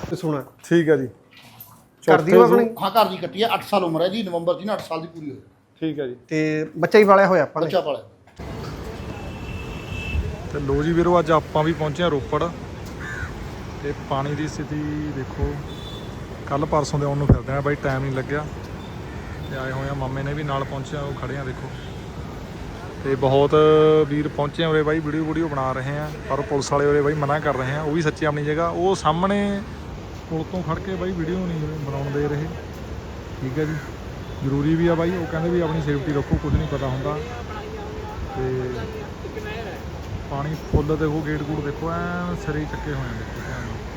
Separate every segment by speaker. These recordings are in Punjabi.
Speaker 1: ਸੁਣਾ
Speaker 2: ਠੀਕ ਹੈ ਜੀ।
Speaker 1: ਘਰ ਦੀ ਆਪਣੀ?
Speaker 3: ਹਾਂ ਘਰ ਦੀ ਕੱਟੀ ਹੈ, 8 ਸਾਲ ਉਮਰ ਹੈ ਜੀ, ਨਵੰਬਰ 'ਚ ਨਾ 8 ਸਾਲ ਦੀ ਪੂਰੀ ਹੋਈ।
Speaker 2: ਠੀਕ ਹੈ ਜੀ।
Speaker 1: ਤੇ ਬੱਚਾ ਹੀ ਪਾਲਿਆ ਹੋਇਆ ਆਪਾਂ ਨੇ?
Speaker 3: ਬੱਚਾ ਪਾਲਿਆ।
Speaker 2: ਤੇ ਲੋ ਜੀ ਵੀਰੋ, ਅੱਜ ਆਪਾਂ ਵੀ ਪਹੁੰਚੇ ਹਾਂ ਰੋਪੜ ਤੇ ਪਾਣੀ ਦੀ ਸਥਿਤੀ ਦੇਖੋ। ਕੱਲ ਪਰਸੋਂ ਦੇ ਆਉਣ ਨੂੰ ਫਿਰਦੇ ਆ ਬਾਈ, ਟਾਈਮ ਨਹੀਂ ਲੱਗਿਆ ਤੇ ਆਏ ਹੋਏ ਆ। ਮਾਮੇ ਨੇ ਵੀ ਨਾਲ ਪਹੁੰਚਿਆ, ਉਹ ਖੜੇ ਆ ਦੇਖੋ। ਤੇ ਬਹੁਤ ਵੀਰ ਪਹੁੰਚੇ ਉਰੇ ਬਾਈ, ਵੀਡੀਓ ਬਣਾ ਰਹੇ ਆ, ਪਰ ਪੁਲਿਸ ਵਾਲੇ ਉਰੇ ਬਾਈ ਮਨਾ ਕਰ ਰਹੇ ਆ। ਉਹ ਵੀ ਸੱਚੀ ਆਪਣੀ ਜਗ੍ਹਾ, ਉਹ ਸਾਹਮਣੇ ਪੁਲ ਤੋਂ ਖੜ ਕੇ ਬਾਈ ਵੀਡੀਓ ਨਹੀਂ ਬਣਾਉਣ ਦੇ ਰਹੇ। ਠੀਕ ਹੈ ਜੀ, ਜ਼ਰੂਰੀ ਵੀ ਆ ਬਾਈ। ਉਹ ਕਹਿੰਦੇ ਵੀ ਆਪਣੀ ਸੇਫਟੀ ਰੱਖੋ, ਕੁਝ ਨਹੀਂ ਪਤਾ ਹੁੰਦਾ। ਤੇ ਪਾਣੀ ਫੁੱਲ ਦੇਖੋ, ਗੇਟ ਗੂਟ ਦੇਖੋ, ਐਨ ਸਿਰੇ ਚੱਕੇ ਹੋਏ ਨੇ ਦੇਖੋ ਧਿਆਨ ਨਾਲ।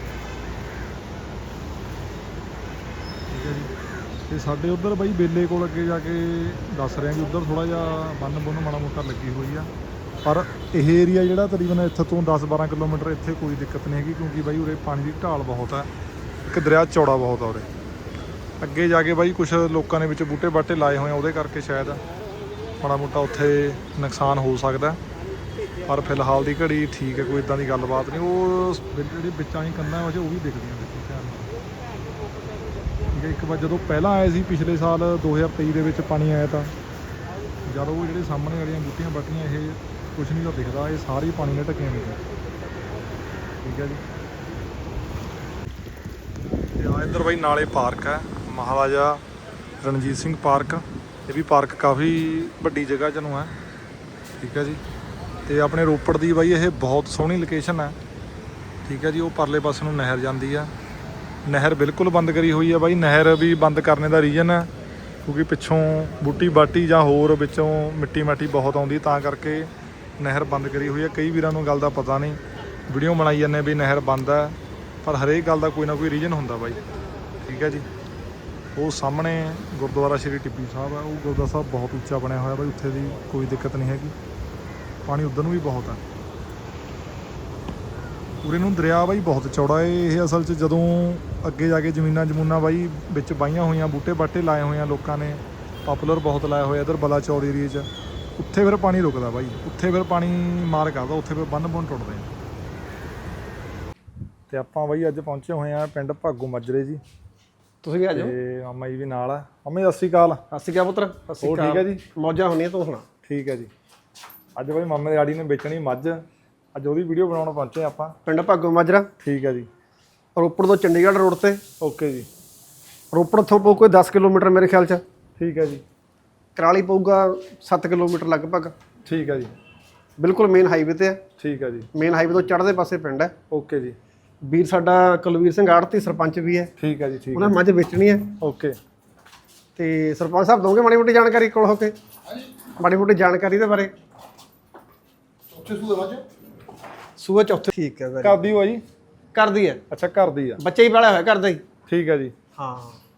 Speaker 2: ਠੀਕ ਹੈ ਜੀ। ਤੇ ਸਾਡੇ ਉੱਧਰ ਬਾਈ ਬੇਲੇ ਕੋਲ ਅੱਗੇ ਜਾ ਕੇ ਦੱਸ ਰਿਹਾ ਕਿ ਉੱਧਰ ਥੋੜ੍ਹਾ ਜਿਹਾ ਬੰਨ ਮਾੜਾ ਮੋਟਾ ਲੱਗੀ ਹੋਈ ਆ, ਪਰ ਇਹ ਏਰੀਆ ਜਿਹੜਾ ਤਕਰੀਬਨ ਇੱਥੇ ਤੋਂ 10-12 ਕਿਲੋਮੀਟਰ ਇੱਥੇ ਕੋਈ ਦਿੱਕਤ ਨਹੀਂ ਹੈਗੀ, ਕਿਉਂਕਿ ਬਾਈ ਉਰੇ ਪਾਣੀ ਦੀ ਢਾਲ ਬਹੁਤ ਹੈ। ਇੱਕ ਦਰਿਆ ਚੌੜਾ ਬਹੁਤ ਆ ਉਰੇ। ਅੱਗੇ ਜਾ ਕੇ ਬਾਈ ਕੁਛ ਲੋਕਾਂ ਨੇ ਵਿੱਚ ਬੂਟੇ ਬਾਟੇ ਲਾਏ ਹੋਏ ਆ, ਉਹਦੇ ਕਰਕੇ ਸ਼ਾਇਦ ਮਾੜਾ ਮੋਟਾ ਉੱਥੇ ਨੁਕਸਾਨ ਹੋ ਸਕਦਾ, ਪਰ ਫਿਲਹਾਲ ਦੀ ਘੜੀ ਠੀਕ ਹੈ, ਕੋਈ ਇੱਦਾਂ ਦੀ ਗੱਲਬਾਤ ਨਹੀਂ। ਉਹ ਜਿਹੜੀ ਵਿੱਚਾਂ ਹੀ ਕੰਧਾਂ ਵਜੇ ਉਹ ਵੀ ਦਿਖਦੀਆਂ ਦੇਖੋ ਧਿਆਨ ਨਾਲ। ਠੀਕ ਹੈ। ਇੱਕ ਵਾਰ ਜਦੋਂ ਪਹਿਲਾਂ ਆਏ ਸੀ ਪਿਛਲੇ ਸਾਲ 2023 ਦੇ ਵਿੱਚ ਪਾਣੀ ਆਇਆ, ਤਾਂ ਜਦ ਉਹ ਜਿਹੜੇ ਸਾਹਮਣੇ ਵਾਲੀਆਂ ਬੂਟੀਆਂ ਬਾਟੀਆਂ ਇਹ ਕੁਛ ਨਹੀਂ ਤਾਂ ਦਿਖਦਾ, ਇਹ ਸਾਰੇ ਪਾਣੀ ਨਾਲ ਢੱਕੀਆਂ ਹੋਈਆਂ। ਠੀਕ ਹੈ ਜੀ। ਤੇ ਆ ਇੱਧਰ ਬਾਈ ਨਾਲੇ ਪਾਰਕ ਹੈ, ਮਹਾਰਾਜਾ ਰਣਜੀਤ ਸਿੰਘ ਪਾਰਕ। ਇਹ ਵੀ ਪਾਰਕ ਕਾਫੀ ਵੱਡੀ ਜਗ੍ਹਾ 'ਚ ਨੂੰ ਹੈ। ਠੀਕ ਹੈ ਜੀ। ਤੇ ਆਪਣੇ ਰੋਪੜ ਦੀ ਬਾਈ ਇਹ ਬਹੁਤ ਸੋਹਣੀ ਲੋਕੇਸ਼ਨ ਹੈ। ਠੀਕ ਹੈ ਜੀ। ਉਹ ਪਰਲੇ ਪਾਸੇ ਨੂੰ ਨਹਿਰ ਜਾਂਦੀ ਆ, ਨਹਿਰ ਬਿਲਕੁਲ ਬੰਦ ਕਰੀ ਹੋਈ ਹੈ ਬਾਈ। ਨਹਿਰ ਵੀ ਬੰਦ ਕਰਨੇ ਦਾ ਰੀਜ਼ਨ ਹੈ ਕਿਉਂਕਿ ਪਿੱਛੋਂ ਬੂਟੀ ਬਾਟੀ ਜਾਂ ਹੋਰ ਵਿੱਚੋਂ ਮਿੱਟੀ ਮਾਟੀ ਬਹੁਤ ਆਉਂਦੀ, ਤਾਂ ਕਰਕੇ ਨਹਿਰ ਬੰਦ ਕਰੀ ਹੋਈ ਹੈ। ਕਈ ਵੀਰਾਂ ਨੂੰ ਗੱਲ ਦਾ ਪਤਾ ਨਹੀਂ, ਵੀਡੀਓ ਬਣਾਈ ਜਾਂਦੇ ਵੀ ਨਹਿਰ ਬੰਦ ਹੈ, ਪਰ ਹਰੇਕ ਗੱਲ ਦਾ ਕੋਈ ਨਾ ਕੋਈ ਰੀਜ਼ਨ ਹੁੰਦਾ ਬਾਈ। ਠੀਕ ਹੈ ਜੀ। ਉਹ ਸਾਹਮਣੇ ਗੁਰਦੁਆਰਾ ਸ਼੍ਰੀ ਟਿੱਬੀ ਸਾਹਿਬ ਹੈ, ਉਹ ਗੁਰਦੁਆਰਾ ਸਾਹਿਬ ਬਹੁਤ ਉੱਚਾ ਬਣਿਆ ਹੋਇਆ ਬਾਈ, ਉੱਥੇ ਦੀ ਕੋਈ ਦਿੱਕਤ ਨਹੀਂ ਹੈਗੀ। ਪਾਣੀ ਉੱਧਰ ਨੂੰ ਵੀ ਬਹੁਤ ਹੈ। ਉਰੇ ਨੂੰ ਦਰਿਆ ਬਾਈ ਬਹੁਤ ਚੌੜਾ ਹੈ। ਇਹ ਅਸਲ 'ਚ ਜਦੋਂ ਅੱਗੇ ਜਾ ਕੇ ਜ਼ਮੀਨਾਂ ਬਾਈ ਵਿੱਚ ਵਾਹੀਆਂ ਹੋਈਆਂ, ਬੂਟੇ ਬਾਟੇ ਲਾਏ ਹੋਏ ਆ ਲੋਕਾਂ ਨੇ, ਪਾਪੂਲਰ ਬਹੁਤ ਲਾਇਆ ਹੋਇਆ ਇੱਧਰ ਬਲਾਚੌਰ ਏਰੀਏ 'ਚ। ਉੱਥੇ ਫਿਰ ਪਾਣੀ ਰੁਕਦਾ ਬਾਈ, ਉੱਥੇ ਫਿਰ ਪਾਣੀ ਮਾਰ ਕਰਦਾ, ਉੱਥੇ ਫਿਰ ਬੰਨ ਟੁੱਟਦੇ ਆ। ਤੇ ਆਪਾਂ ਬਾਈ ਅੱਜ ਪਹੁੰਚੇ ਹੋਏ ਆ ਪਿੰਡ ਭਾਗੋ ਮਾਜਰੇ ਜੀ।
Speaker 1: ਤੁਸੀਂ ਵੀ ਆ ਜਾਓ।
Speaker 2: ਤੇ ਮਾਮਾ ਜੀ ਵੀ ਨਾਲ ਆ। ਮਾਮਾ ਜੀ ਸਤਿ ਸ਼੍ਰੀ ਅਕਾਲ।
Speaker 1: ਸਤਿ ਸ਼੍ਰੀ ਅਕਾਲ ਪੁੱਤਰ। ਸਤਿ ਸ਼੍ਰੀ ਅਕਾਲ।
Speaker 2: ਠੀਕ ਹੈ ਜੀ।
Speaker 1: ਮੌਜਾਂ ਹੁੰਦੀਆਂ, ਤੂੰ ਸੁਣਾ।
Speaker 2: ਠੀਕ ਹੈ ਜੀ। ਅੱਜ ਬਾਈ ਮਾਮੇ ਦੀ ਆੜੀ ਨੇ ਵੇਚਣੀ ਮੱਝ, ਅੱਜ ਉਹਦੀ ਵੀਡੀਓ ਬਣਾਉਣ ਪਹੁੰਚੇ ਆਪਾਂ
Speaker 1: ਪਿੰਡ ਭਾਗੋ ਮਾਜਰਾ।
Speaker 2: ਠੀਕ ਹੈ ਜੀ।
Speaker 1: ਰੋਪੜ ਤੋਂ ਚੰਡੀਗੜ੍ਹ ਰੋਡ ਤੇ।
Speaker 2: ਓਕੇ ਜੀ।
Speaker 1: ਰੋਪੜ ਤੋਂ ਪਊ ਕੋਈ 10 ਕਿਲੋਮੀਟਰ ਮੇਰੇ ਖਿਆਲ 'ਚ।
Speaker 2: ਠੀਕ ਹੈ ਜੀ।
Speaker 1: ਕਰਾਲੀ ਪਊਗਾ 7 ਕਿਲੋਮੀਟਰ ਲਗਭਗ।
Speaker 2: ਠੀਕ ਹੈ ਜੀ।
Speaker 1: ਬਿਲਕੁਲ ਮੇਨ ਹਾਈਵੇ ਤੇ ਹੈ।
Speaker 2: ਠੀਕ ਹੈ ਜੀ।
Speaker 1: ਮੇਨ ਹਾਈਵੇ ਤੋਂ ਚੜ੍ਹਦੇ ਪਾਸੇ ਪਿੰਡ ਹੈ।
Speaker 2: ਓਕੇ ਜੀ।
Speaker 1: ਵੀਰ ਸਾਡਾ ਕੁਲਵੀਰ ਸਿੰਘ ਆੜਤੀ ਸਰਪੰਚ ਵੀ ਹੈ।
Speaker 2: ਠੀਕ ਹੈ ਜੀ। ਠੀਕ
Speaker 1: ਉਹਨਾਂ ਮੱਝ ਵੇਚਣੀ ਹੈ।
Speaker 2: ਓਕੇ।
Speaker 1: ਤੇ ਸਰਪੰਚ ਸਾਹਿਬ ਦੋਗੇ ਮਾੜੀ ਮੋਟੀ ਜਾਣਕਾਰੀ ਕੋਲ ਹੋ ਕੇ? ਮਾੜੀ ਮੋਟੀ ਜਾਣਕਾਰੀ ਦੇ ਬਾਰੇ।
Speaker 3: ਉੱਥੇ ਸੂਏ ਮੱਝ
Speaker 1: ਸੂਆ ਚੌਥੇ। ਠੀਕ ਹੈ।
Speaker 2: ਕਰਦੀ ਹੋ ਜੀ?
Speaker 1: ਕਰਦੀ ਹੈ।
Speaker 2: ਅੱਛਾ, ਕਰਦੀ ਆ।
Speaker 1: ਬੱਚੇ ਹੀ ਪਾਲਿਆ ਹੋਇਆ ਕਰਦਾ ਹੀ।
Speaker 2: ਠੀਕ ਹੈ ਜੀ।
Speaker 1: ਹਾਂ।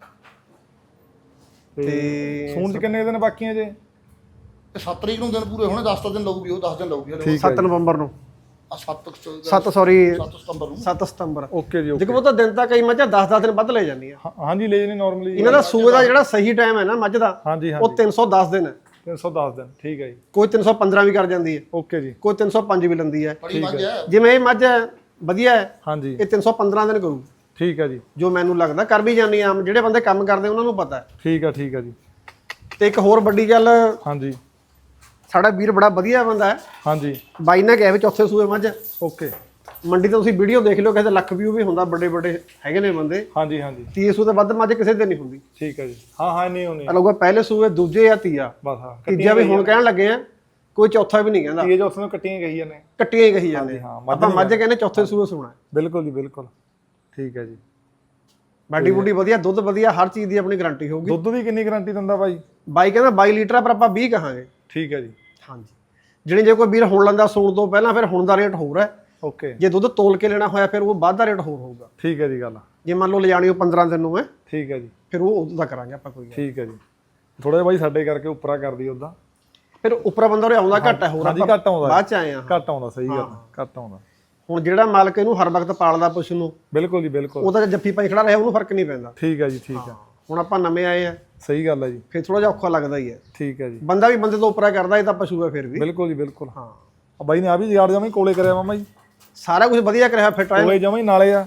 Speaker 2: ਤੇ ਸੂਣ 'ਚ ਕਿੰਨੇ ਦਿਨ ਬਾਕੀ ਹੈ ਜੇ?
Speaker 3: 7 ਤਰੀਕ ਨੂੰ ਦਿਨ ਪੂਰੇ ਹੋਣੇ, 10 ਦਿਨ ਲਊਗੀ, ਉਹ 10 ਦਿਨ ਲਊਗੀ।
Speaker 1: 7 ਨਵੰਬਰ ਨੂੰ।
Speaker 3: 7
Speaker 1: ਸੌਰੀ
Speaker 3: 7 ਸਤੰਬਰ ਨੂੰ।
Speaker 1: 7 ਸਤੰਬਰ।
Speaker 2: ਓਕੇ ਜੀ।
Speaker 1: ਜਿਵੇਂ ਉਹ ਤਾਂ ਦਿਨ ਤਾਂ ਕਈ ਮੱਝਾਂ 10-10 ਦਿਨ ਵੱਧ ਲੈ ਜਾਂਦੀਆਂ।
Speaker 2: ਹਾਂਜੀ, ਲੈ ਜਨੇ ਨਾਰਮਲੀ।
Speaker 1: ਇਹਨਾਂ ਦਾ ਸੂਏ ਦਾ ਜਿਹੜਾ ਸਹੀ ਟਾਈਮ ਹੈ ਨਾ ਮੱਝ ਦਾ,
Speaker 2: ਹਾਂਜੀ
Speaker 1: ਉਹ 310 ਦਿਨ ਹੈ।
Speaker 2: 310 ਦਿਨ। ਠੀਕ ਹੈ ਜੀ।
Speaker 1: ਕੋਈ 315 ਵੀ ਕਰ ਜਾਂਦੀ ਹੈ,
Speaker 2: ਓਕੇ ਜੀ।
Speaker 1: ਕੋਈ 305 ਵੀ ਲੈਂਦੀ ਹੈ।
Speaker 3: ਬੜੀ ਮੱਝ ਹੈ।
Speaker 1: ਜਿਵੇਂ ਇਹ ਮੱਝ ਵਧੀਆ ਹੈ,
Speaker 2: ਹਾਂਜੀ।
Speaker 1: ਇਹ 315 ਦਿਨ ਕਰੂ।
Speaker 2: ਠੀਕ ਹੈ ਜੀ।
Speaker 1: ਜੋ ਮੈਨੂੰ ਲੱਗਦਾ ਕਰ ਵੀ ਜਾਂਦੀ ਆਮ ਜਿਹੜੇ ਬੰਦੇ ਕੰਮ ਕਰਦੇ ਉਹਨਾਂ ਨੂੰ ਪਤਾ ਹੈ।
Speaker 2: ਠੀਕ ਹੈ। ਠੀਕ ਹੈ ਜੀ।
Speaker 1: ਤੇ ਇੱਕ ਹੋਰ ਵੱਡੀ ਗੱਲ,
Speaker 2: ਹਾਂਜੀ।
Speaker 1: ਸਾਡਾ ਵੀਰ ਬੜਾ ਵਧੀਆ ਬੰਦਾ ਹੈ।
Speaker 2: ਹਾਂਜੀ।
Speaker 1: ਬਾਈ ਨੇ ਕਿਹਾ ਵੀ ਚੌਥੇ ਸੂਏ ਮੱਝ।
Speaker 2: ਓਕੇ।
Speaker 1: ਮੰਡੀ ਤੋਂ ਤੁਸੀਂ ਵੀਡੀਓ ਦੇਖ ਲਿਓ, ਕਹਿੰਦੇ ਲੱਖ ਵਿਊ ਵੀ ਹੁੰਦਾ, ਵੱਡੇ ਵੱਡੇ ਹੈਗੇ ਨੇ ਬੰਦੇ।
Speaker 2: ਹਾਂਜੀ ਹਾਂਜੀ।
Speaker 1: 30 ਸੂ ਤੋਂ ਵੱਧ ਮੱਝ ਕਿਸੇ ਦੇ ਨਹੀਂ ਹੁੰਦੀ।
Speaker 2: ਠੀਕ ਹੈ ਜੀ। ਹਾਂ ਨਹੀਂ ਹੋਣੀ।
Speaker 1: ਲੋਕਾਂ ਪਹਿਲੇ ਸੂਏ, ਦੂਜੇ ਜਾਂ ਤੀਆ,
Speaker 2: ਬਸ ਹਾਂ।
Speaker 1: ਤੀਜਾ ਵੀ ਹੁਣ ਕਹਿਣ ਲੱਗੇ ਆ, ਕੋਈ ਚੌਥਾ ਵੀ ਨਹੀਂ ਕਹਿੰਦਾ।
Speaker 2: ਇਹ ਜੋ ਉੱਥੋਂ ਕੱਟੀਆਂ ਗਈਆਂ ਨੇ,
Speaker 1: ਕੱਟੀਆਂ ਹੀ ਕਹੀ ਜਾਂਦੇ। ਆਪਾਂ ਮੱਝ ਕਹਿੰਦੇ ਚੌਥੇ ਸੂਏ ਸੂਣਾ।
Speaker 2: ਬਿਲਕੁਲ ਜੀ, ਬਿਲਕੁਲ। ਠੀਕ ਹੈ ਜੀ।
Speaker 1: ਬਾਡੀ ਬੂਡੀ ਵਧੀਆ, ਦੁੱਧ ਵਧੀਆ, ਹਰ ਚੀਜ਼ ਦੀ ਆਪਣੀ ਗਾਰੰਟੀ ਹੋਊਗੀ।
Speaker 2: ਦੁੱਧ ਦੀ ਕਿੰਨੀ ਗਾਰੰਟੀ ਦਿੰਦਾ ਬਾਈ?
Speaker 1: ਬਾਈ ਕਹਿੰਦਾ 22 ਲੀਟਰ ਆ, ਪਰ ਆਪਾਂ 20 ਕਹਾਂਗੇ।
Speaker 2: ਠੀਕ ਹੈ ਜੀ।
Speaker 1: ਹਾਂਜੀ। ਜਿਹੜੇ ਜੇ ਕੋਈ ਵੀਰ ਹੁਣ ਲੈਂਦਾ ਸੂਣ ਤੋਂ ਪਹਿਲਾਂ, ਫਿਰ ਹੁਣ ਦਾ ਰੇਟ ਹੋਰ ਹੈ।
Speaker 2: ਓਕੇ।
Speaker 1: ਜੇ ਦੁੱਧ ਤੋਲ ਕੇ ਲੈਣਾ ਹੋਇਆ ਫਿਰ ਉਹ ਬਾਅਦ ਦਾ ਰੇਟ ਹੋਰ ਹੋਊਗਾ।
Speaker 2: ਠੀਕ ਹੈ ਜੀ ਗੱਲ।
Speaker 1: ਜੇ ਮੰਨ ਲਓ ਲਿਜਾਣੀ ਉਹ 15 ਦਿਨ ਨੂੰ ਹੈ,
Speaker 2: ਠੀਕ ਹੈ ਜੀ,
Speaker 1: ਫਿਰ ਉਹ ਉਦੋਂ ਦਾ ਕਰਾਂਗੇ ਆਪਾਂ ਕੋਈ।
Speaker 2: ਠੀਕ ਹੈ ਜੀ। ਥੋੜਾ ਜਿਹਾ ਬਾਈ ਸਾਡੇ ਕਰਕੇ ਉੱਪਰਾ ਕਰਦੀ ਉਦਾਂ,
Speaker 1: ਫਿਰ ਉੱਪਰਾ ਬੰਦਾ ਉਰੇ ਆਉਂਦਾ ਘੱਟ ਹੈ, ਹੋਰ
Speaker 2: ਹਾਂਜੀ ਘੱਟ ਆਉਂਦਾ,
Speaker 1: ਬਾਅਦ ਚ ਆਏ ਆ।
Speaker 2: ਘੱਟ ਆਉਂਦਾ, ਸਹੀ ਗੱਲ, ਘੱਟ ਆਉਂਦਾ।
Speaker 1: ਹੁਣ ਜਿਹੜਾ ਮਾਲਕ ਇਹਨੂੰ ਹਰ ਵਕਤ ਪਾਲਦਾ ਪਸ਼ੂ ਨੂੰ,
Speaker 2: ਬਿਲਕੁਲ ਜੀ ਬਿਲਕੁਲ,
Speaker 1: ਉਹਦਾ ਜੱਫੀ ਪਾਈ ਖੜਾ ਰਿਹਾ ਉਹਨੂੰ ਫਰਕ ਨਹੀਂ ਪੈਂਦਾ।
Speaker 2: ਠੀਕ ਹੈ ਜੀ, ਠੀਕ ਹੈ।
Speaker 1: ਹੁਣ ਆਪਾਂ ਨਵੇਂ ਆਏ ਆ,
Speaker 2: ਸਹੀ ਗੱਲ ਹੈ ਜੀ,
Speaker 1: ਫਿਰ ਥੋੜਾ ਜਿਹਾ ਔਖਾ ਲੱਗਦਾ ਹੀ ਹੈ।
Speaker 2: ਠੀਕ ਹੈ ਜੀ।
Speaker 1: ਬੰਦਾ ਵੀ ਬੰਦੇ ਤੋਂ ਉੱਪਰਾ ਕਰਦਾ, ਇਹ ਤਾਂ ਪਸ਼ੂ ਹੈ ਫਿਰ ਵੀ।
Speaker 2: ਬਿਲਕੁਲ ਜੀ ਬਿਲਕੁਲ।
Speaker 1: ਹਾਂ,
Speaker 2: ਬਾਈ ਨੇ ਆ ਵੀ ਯਾਰ ਜਮਾਂ ਹੀ ਕੋਲੇ ਕਰਿਆ ਮਾਮਾ ਜੀ,
Speaker 1: ਸਾਰਾ ਕੁਝ ਵਧੀਆ ਕਰਿਆ, ਫਿੱਟ ਆਇਆ
Speaker 2: ਕੋਲੇ ਜਮਾਂ ਹੀ ਨਾਲੇ ਆ।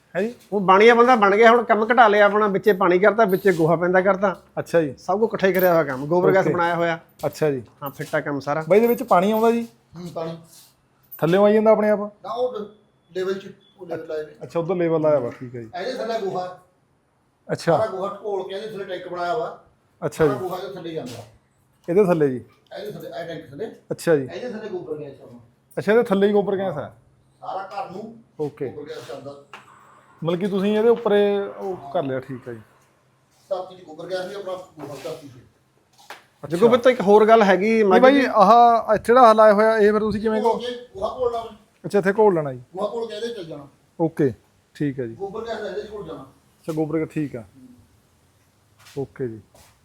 Speaker 2: ਹੈ ਜੀ
Speaker 1: ਉਹ ਬਾਣੀਆ ਬੰਦਾ ਬਣ ਗਿਆ, ਹੁਣ ਕੰਮ ਘਟਾ ਲਿਆ ਆਪਣਾ, ਵਿੱਚੇ ਪਾਣੀ ਕਰਤਾ, ਵਿੱਚੇ ਗੋਹਾ ਪੈਂਦਾ ਕਰਤਾ,
Speaker 2: ਅੱਛਾ ਜੀ
Speaker 1: ਸਭ ਕੁਝ ਇਕੱਠਾ ਹੀ ਕਰਿਆ ਹੋਇਆ ਕੰਮ, ਗੋਬਰ ਗੈਸ ਬਣਾਇਆ ਹੋਇਆ।
Speaker 2: ਅੱਛਾ ਜੀ
Speaker 1: ਹਾਂ ਫਿੱਟਾ ਕੰਮ ਸਾਰਾ।
Speaker 2: ਬਾਈ ਇਹਦੇ ਵਿੱਚ ਪਾਣੀ ਆਉਂਦਾ ਜੀ
Speaker 3: ਪਾਣੀ
Speaker 2: ਥੱਲੇੋਂ ਆਈ ਜਾਂਦਾ ਆਪਣੇ ਆਪ?
Speaker 3: ਨਾ ਉਹ ਲੈਵਲ 'ਚ ਉਹ ਲੈਵਲ ਲਾਏ ਨੇ।
Speaker 2: ਅੱਛਾ ਉਧਰ ਲੈਵਲ ਆਇਆ ਵਾ, ਠੀਕ ਹੈ ਜੀ।
Speaker 3: ਇਹਦੇ ਥੱਲੇ ਗੋਹਾ,
Speaker 2: ਅੱਛਾ
Speaker 3: ਸਾਰਾ ਗੋਹਾ ਢੋਲ ਕੇ ਇਹਦੇ ਥੱਲੇ ਟੈਂਕ ਬਣਾਇਆ ਵਾ।
Speaker 2: ਅੱਛਾ
Speaker 3: ਸਾਰਾ
Speaker 2: ਜੀ
Speaker 3: ਗੋਹਾ ਇਹਦੇ ਥੱਲੇ ਜਾਂਦਾ,
Speaker 2: ਇਹਦੇ ਥੱਲੇ ਜੀ?
Speaker 3: ਇਹਦੇ ਥੱਲੇ ਇਹ ਟੈਂਕ ਥੱਲੇ,
Speaker 2: ਅੱਛਾ ਜੀ
Speaker 3: ਇਹਦੇ ਥੱਲੇ ਗੋਬਰ ਗੈਸ ਚੱਲਦਾ,
Speaker 2: ਅੱਛਾ ਇਹਦੇ ਥੱਲੇ ਹੀ ਗੋਬਰ ਗੈਸ ਹੈ?
Speaker 3: ਸਾਰਾ ਘਰ ਨੂੰ
Speaker 2: ਓਕੇ,
Speaker 3: ਗੋਬਰ ਗੈਸ ਚੱਲਦਾ।
Speaker 2: ਮਤਲਬ ਕਿ ਤੁਸੀਂ ਇਹਦੇ ਉੱਪਰ ਉਹ ਕਰ ਲਿਆ, ਠੀਕ ਹੈ ਜੀ।
Speaker 3: ਧਰਤੀ 'ਚ ਗੋਬਰ ਗੈਸ ਵੀ ਆਪਣਾ ਗੋਹਾ ਧਰਤੀ 'ਚ।
Speaker 1: ਜੱਗੂ ਪੁੱਤ ਇੱਕ ਹੋਰ ਗੱਲ ਹੈਗੀ
Speaker 2: ਨਹੀਂ ਬਾਈ ਆਹ ਜਿਹੜਾ ਹਲਾਇਆ ਹੋਇਆ ਇਹ ਫਿਰ ਤੁਸੀਂ ਕਿਵੇਂ
Speaker 3: ਘੋਲ ਕੇ ਗੋਹਾ ਘੋਲ ਲਾ,
Speaker 2: ਅੱਛਾ ਇੱਥੇ ਘੋਲ ਲੈਣਾ ਜੀ?
Speaker 3: ਗੋਹਾ ਘੋਲ ਕੇ ਇਹਦੇ 'ਚ ਚੱਲ ਜਾਣਾ,
Speaker 2: ਓਕੇ ਠੀਕ ਹੈ ਜੀ।
Speaker 3: ਗੋਬਰ ਗੈਸ ਇਹਦੇ 'ਚ ਘੋਲ ਜਾਣਾ।
Speaker 2: ਅੱਛਾ ਗੋਬਰ ਠੀਕ ਆ, ਓਕੇ ਜੀ।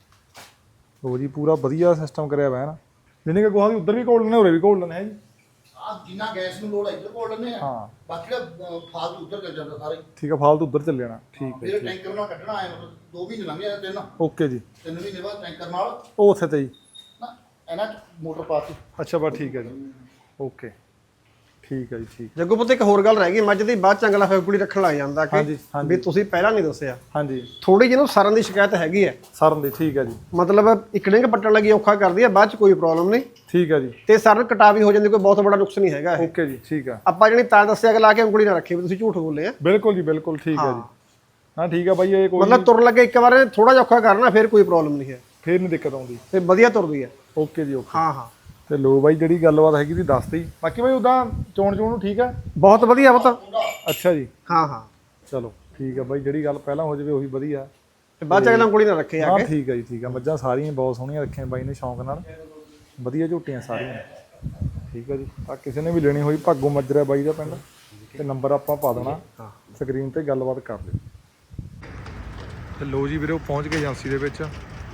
Speaker 2: ਉਹ ਜੀ ਪੂਰਾ ਵਧੀਆ ਸਿਸਟਮ ਕਰਿਆ ਹੋਇਆ ਹੈ ਨਾ, ਜਿਹਨੇ ਕਿ ਗੋਹਾ ਵੀ ਉੱਧਰ ਵੀ ਘੋਲ ਲੈਣਾ, ਉਰੇ ਵੀ ਘੋਲ ਲੈਣਾ ਹੈ ਜੀ।
Speaker 3: ਆਹ ਜਿੰਨਾ ਗੈਸ ਨੂੰ ਲੋੜ ਹੈ ਇੱਧਰ ਘੋਲ ਲੈਂਦੇ ਆ,
Speaker 2: ਹਾਂ
Speaker 3: ਬਾਕੀ ਦਾ ਫਾਲਤੂ ਉੱਧਰ ਚੱਲ ਜਾਂਦਾ ਸਾਰੇ।
Speaker 2: ਠੀਕ ਆ, ਫਾਲਤੂ ਉੱਧਰ ਚੱਲ ਜਾਣਾ, ਠੀਕ ਹੈ
Speaker 3: ਫਿਰ ਟੈਂਕਰ ਨਾਲ ਕੱਢਣਾ ਆਏ, ਮਤਲਬ 2 ਮਹੀਨੇ ਲੰਘ ਜਾਂਦੇ, 3
Speaker 2: ਓਕੇ ਜੀ।
Speaker 3: 3 ਮਹੀਨੇ ਬਾਅਦ ਟੈਂਕਰ ਨਾਲ
Speaker 2: ਉਹ ਉੱਥੇ ਤੇ ਜੀ?
Speaker 3: ਨਾ ਇਹਨਾਂ 'ਚ ਮੋਟਰ ਪਾਤੀ।
Speaker 2: ਅੱਛਾ ਬਸ ਠੀਕ ਹੈ ਜੀ, ਓਕੇ ਠੀਕ ਹੈ ਜੀ, ਠੀਕ।
Speaker 1: ਜੱਗੂ ਪੁੱਤ ਇੱਕ ਹੋਰ ਗੱਲ ਰਹਿ ਗਈ, ਮੱਝ ਦੀ ਬਾਅਦ ਚੰਗਲਾ ਫੈਕੂੜੀ ਰੱਖਣ ਲੱਗ ਜਾਂਦਾ
Speaker 2: ਹਾਂਜੀ,
Speaker 1: ਕਿ
Speaker 2: ਹਾਂਜੀ।
Speaker 1: ਵੀ ਤੁਸੀਂ ਪਹਿਲਾਂ ਨਹੀਂ ਦੱਸਿਆ।
Speaker 2: ਹਾਂਜੀ
Speaker 1: ਥੋੜੀ ਜਿਹੀ ਨੂੰ ਸਰਨ ਦੀ ਸ਼ਿਕਾਇਤ ਹੈਗੀ ਹੈ,
Speaker 2: ਸਰਨ ਦੀ, ਠੀਕ ਹੈ ਜੀ।
Speaker 1: ਮਤਲਬ ਇੱਕ ਡਿੰਗ ਪੱਟਣ ਲੱਗੀ ਔਖਾ ਕਰਦੀ ਹੈ, ਬਾਅਦ ਚ ਕੋਈ ਪ੍ਰੋਬਲਮ ਨਹੀਂ,
Speaker 2: ਠੀਕ ਹੈ ਜੀ,
Speaker 1: ਤੇ ਸਰਨ ਕਟਾ ਵੀ ਹੋ ਜਾਂਦੀ, ਕੋਈ ਬਹੁਤ ਵੱਡਾ ਨੁਕਸ ਨਹੀਂ ਹੈਗਾ ਇਹ।
Speaker 2: ਓਕੇ ਜੀ, ਠੀਕ ਆ।
Speaker 1: ਆਪਾਂ ਜਿਹੜੀ ਤਾਂ ਦੱਸਿਆ ਕਿ ਲਾ ਕੇ ਉਂਗਲੀ ਨਾ ਰੱਖੀ ਵੀ ਤੁਸੀਂ ਝੂਠ ਬੋਲੇ ਆ।
Speaker 2: ਬਿਲਕੁਲ ਜੀ ਬਿਲਕੁਲ, ਠੀਕ ਹੈ ਜੀ। ਹਾਂ ਠੀਕ ਆ ਬਾਈ, ਇਹ ਕੋਈ
Speaker 1: ਮਤਲਬ ਤੁਰਨ ਲੱਗੇ ਇੱਕ ਵਾਰ ਥੋੜਾ ਜਿਹਾ ਔਖਾ ਕਰਨਾ, ਫਿਰ ਕੋਈ ਪ੍ਰੋਬਲਮ ਨਹੀਂ ਹੈ,
Speaker 2: ਫੇਰ ਨਹੀਂ ਦਿੱਕਤ ਆਉਂਦੀ,
Speaker 1: ਤੇ ਵਧੀਆ ਤੁਰਦੀ ਹੈ।
Speaker 2: ਓਕੇ ਜੀ ਓਕੇ।
Speaker 1: ਹਾਂ ਹਾਂ
Speaker 2: ਤੇ ਲੋ ਬਾਈ ਜਿਹੜੀ ਗੱਲਬਾਤ ਹੈਗੀ ਦੀ ਦੱਸਤੀ, ਬਾਕੀ ਬਾਈ ਉਦਾਂ ਚੋਣ ਨੂੰ ਠੀਕ ਆ?
Speaker 1: ਬਹੁਤ ਵਧੀਆ ਪੁੱਤ।
Speaker 2: ਅੱਛਾ ਜੀ,
Speaker 1: ਹਾਂ ਹਾਂ
Speaker 2: ਚਲੋ ਠੀਕ ਆ ਬਾਈ, ਜਿਹੜੀ ਗੱਲ ਪਹਿਲਾਂ ਹੋ ਜਾਵੇ ਉਹੀ ਵਧੀਆ।
Speaker 1: ਤੇ ਬਾਅਦ ਚ ਅਗਲਾ ਉਂਗਲੀ ਨਾ ਰੱਖੇ ਆ
Speaker 2: ਹਾਂ
Speaker 1: ਕੇ।
Speaker 2: ਠੀਕ ਆ ਜੀ, ਠੀਕ ਆ। ਮੱਝਾਂ ਸਾਰੀਆਂ ਬਹੁਤ ਸੋਹਣੀਆਂ ਰੱਖੀਆਂ ਬਾਈ ਨੇ ਸ਼ੌਂਕ ਨਾਲ, ਵਧੀਆ ਝੋਟੀਆਂ ਸਾਰੀਆਂ, ਠੀਕ ਆ ਜੀ। ਆ ਕਿਸੇ ਨੇ ਵੀ ਲੈਣੀ ਹੋਈ ਭਾਗੋ ਮੱਜਰਾ ਬਾਈ ਦਾ ਪਿੰਡ, ਤੇ ਨੰਬਰ ਆਪਾਂ ਪਾ ਦੇਣਾ ਸਕਰੀਨ ਤੇ, ਗੱਲਬਾਤ ਕਰ ਲਿਓ। ਤੇ ਲੋ ਜੀ ਵੀਰੇ ਉਹ ਪਹੁੰਚ ਗਏ ਏਜੰਸੀ ਦੇ ਵਿੱਚ,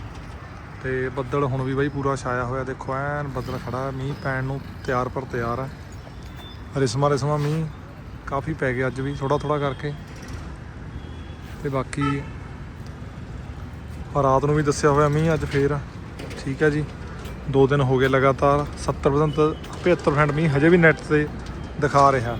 Speaker 2: ਤੇ ਬੱਦਲ ਹੁਣ ਵੀ ਬਾਈ ਪੂਰਾ ਛਾਇਆ ਹੋਇਆ, ਦੇਖੋ ਐਨ ਬੱਦਲ ਖੜਾ, ਮੀਂਹ ਪੈਣ ਨੂੰ ਤਿਆਰ ਪਰ ਤਿਆਰ ਹੈ। ਰਿਸਮਾ ਮੀਂਹ ਕਾਫੀ ਪੈ ਗਿਆ ਅੱਜ ਵੀ, ਥੋੜਾ ਥੋੜਾ ਕਰਕੇ। ਤੇ ਬਾਕੀ ਰਾਤ ਨੂੰ ਵੀ ਦੱਸਿਆ ਹੋਇਆ ਮੀਂਹ ਅੱਜ ਫੇਰ, ਠੀਕ ਹੈ ਜੀ। 2 ਦਿਨ ਹੋ ਗਏ ਲਗਾਤਾਰ, 70% 75% ਮੀਂਹ ਹਜੇ ਵੀ ਨੈੱਟ ਤੇ ਦਿਖਾ ਰਿਹਾ।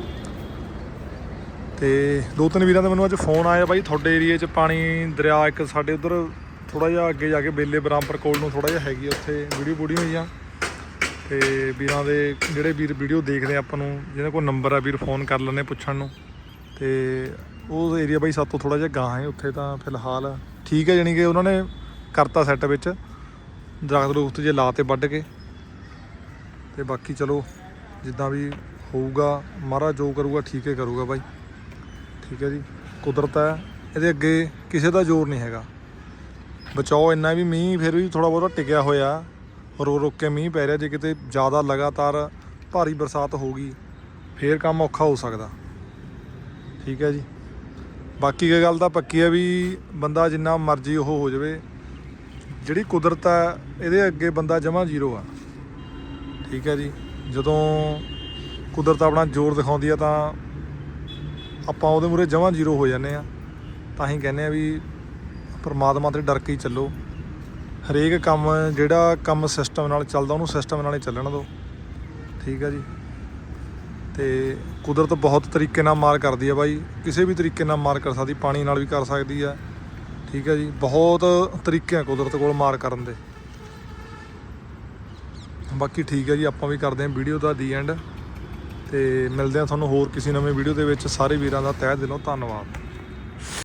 Speaker 2: ਤੇ 2-3 ਵੀਰਾਂ ਦਾ ਮੈਨੂੰ ਅੱਜ ਫੋਨ ਆਇਆ ਬਾਈ, ਤੁਹਾਡੇ ਏਰੀਏ 'ਚ ਪਾਣੀ ਦਰਿਆ ਇੱਕ ਸਾਡੇ ਉਧਰ ਥੋੜਾ ਜਿਹਾ ਅੱਗੇ ਜਾ ਕੇ ਬੇਲੇ ਬਰਾਮਪੁਰ ਕੋਲ ਨੂੰ ਥੋੜਾ ਜਿਹਾ ਹੈਗੀ, ਉੱਥੇ ਵੀਡੀਓ ਹੋਈ ਆ। ਤੇ ਵੀਰਾਂ ਦੇ ਜਿਹੜੇ ਵੀਰ ਵੀਡੀਓ ਦੇਖਦੇ ਆਪਾਂ ਨੂੰ, ਜਿਹਨਾਂ ਕੋਲ ਨੰਬਰ ਆ ਵੀਰ ਫੋਨ ਕਰ ਲੈਂਦੇ ਪੁੱਛਣ ਨੂੰ। ਤੇ ਉਹ ਏਰੀਆ ਬਾਈ ਸਾਤੋਂ ਥੋੜਾ ਜਿਹਾ ਗਾਂਹ ਹੈ, ਉੱਥੇ ਤਾਂ ਫਿਲਹਾਲ ਠੀਕ ਹੈ, ਜਾਣੀ ਕਿ ਉਹਨਾਂ ਨੇ ਕਰਤਾ ਸੈੱਟ ਵਿੱਚ ਦਰਖਤ ਦਰੁਖਤ ਜੇ ਲਾ ਤੇ ਵੱਢ ਕੇ। ਤੇ ਬਾਕੀ ਚਲੋ ਜਿੱਦਾਂ ਵੀ ਹੋਊਗਾ, ਮਹਾਰਾਜ ਜੋ ਕਰੂਗਾ ਠੀਕ ਹੀ ਕਰੂਗਾ ਬਾਈ, ਠੀਕ ਹੈ ਜੀ। ਕੁਦਰਤ ਹੈ, ਇਹਦੇ ਅੱਗੇ ਕਿਸੇ ਦਾ ਜ਼ੋਰ ਨਹੀਂ ਹੈਗਾ। ਬਚਾਓ ਇੰਨਾ ਵੀ, ਮੀਂਹ ਫਿਰ ਵੀ ਥੋੜ੍ਹਾ ਬਹੁਤਾ ਟਿਕਿਆ ਹੋਇਆ, ਰੁਕ ਕੇ ਮੀਂਹ ਪੈ ਰਿਹਾ। ਜੇ ਕਿਤੇ ਜ਼ਿਆਦਾ ਲਗਾਤਾਰ ਭਾਰੀ ਬਰਸਾਤ ਹੋ ਗਈ ਫੇਰ ਕੰਮ ਔਖਾ ਹੋ ਸਕਦਾ, ਠੀਕ ਹੈ ਜੀ। ਬਾਕੀ ਇਹ ਗੱਲ ਤਾਂ ਪੱਕੀ ਹੈ ਵੀ ਬੰਦਾ ਜਿੰਨਾ ਮਰਜ਼ੀ ਉਹ ਹੋ ਜਾਵੇ, ਜਿਹੜੀ ਕੁਦਰਤ ਹੈ ਇਹਦੇ ਅੱਗੇ ਬੰਦਾ ਜਮਾਂ ਜ਼ੀਰੋ ਆ, ਠੀਕ ਹੈ ਜੀ। ਜਦੋਂ ਕੁਦਰਤ ਆਪਣਾ ਜ਼ੋਰ ਦਿਖਾਉਂਦੀ ਆ ਤਾਂ ਆਪਾਂ ਉਹਦੇ ਮੂਹਰੇ ਜਮਾਂ ਜ਼ੀਰੋ ਹੋ ਜਾਂਦੇ ਆ। ਤਾਂ ਹੀ ਕਹਿੰਦੇ ਆ ਵੀ ਪਰਮਾਤਮਾ ਤੇ ਡਰ ਕੇ ਹੀ ਚੱਲੋ। ਹਰੇਕ ਕੰਮ ਜਿਹੜਾ ਕੰਮ ਸਿਸਟਮ ਨਾਲ ਚੱਲਦਾ ਉਹਨੂੰ ਸਿਸਟਮ ਨਾਲ ਹੀ ਚੱਲਣ ਦਿਓ, ਠੀਕ ਹੈ ਜੀ। ਤੇ ਕੁਦਰਤ ਬਹੁਤ ਤਰੀਕੇ ਨਾਲ ਮਾਰ ਕਰਦੀ ਆ ਬਾਈ, ਕਿਸੇ ਵੀ ਤਰੀਕੇ ਨਾਲ ਮਾਰ ਕਰ ਸਕਦੀ, ਪਾਣੀ ਨਾਲ ਵੀ ਕਰ ਸਕਦੀ ਆ, ਠੀਕ ਹੈ ਜੀ। ਬਹੁਤ ਤਰੀਕੇ ਆ ਕੁਦਰਤ ਕੋਲ ਮਾਰ ਕਰਨ ਦੇ। ਬਾਕੀ ਠੀਕ ਹੈ ਜੀ, ਆਪਾਂ ਵੀ ਕਰਦੇ ਹਾਂ ਵੀਡੀਓ ਦਾ ਦੀ ਐਂਡ, ਤੇ ਮਿਲਦੇ ਹਾਂ ਤੁਹਾਨੂੰ ਹੋਰ ਕਿਸੇ ਨਵੇਂ ਵੀਡੀਓ ਦੇ ਵਿੱਚ। ਸਾਰੇ ਵੀਰਾਂ ਦਾ ਤਹਿ ਦਿਲੋਂ ਧੰਨਵਾਦ।